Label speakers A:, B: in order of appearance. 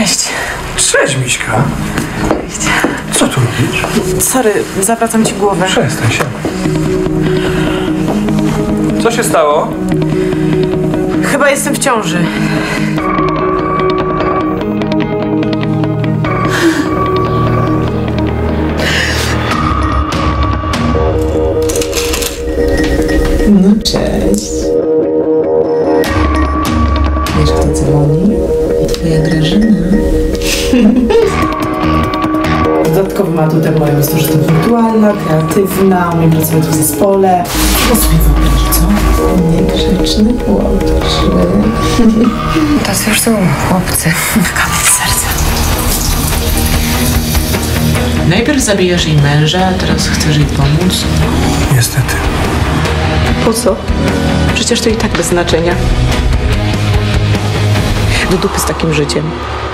A: Cześć.
B: Cześć, Miśka.
A: Cześć.
B: Co tu robisz?
A: Sorry, zawracam ci głowę.
B: Przestań się. Co się stało?
A: Chyba jestem w ciąży.
C: No cześć. Wiesz, kto dzwoni? Twoja Grażyna. Dodatkowym atutem moim jest to, że jestem punktualna, kreatywna, umiem pracować w zespole. Co sobie wyobraź, co? Niegrzeczny chłopczy.
D: To już są chłopcy.
A: Kamień serca.
C: Najpierw zabijasz jej męża, a teraz chcesz jej pomóc?
B: Niestety.
A: Po co? Przecież to i tak bez znaczenia.
C: Do dupy z takim życiem.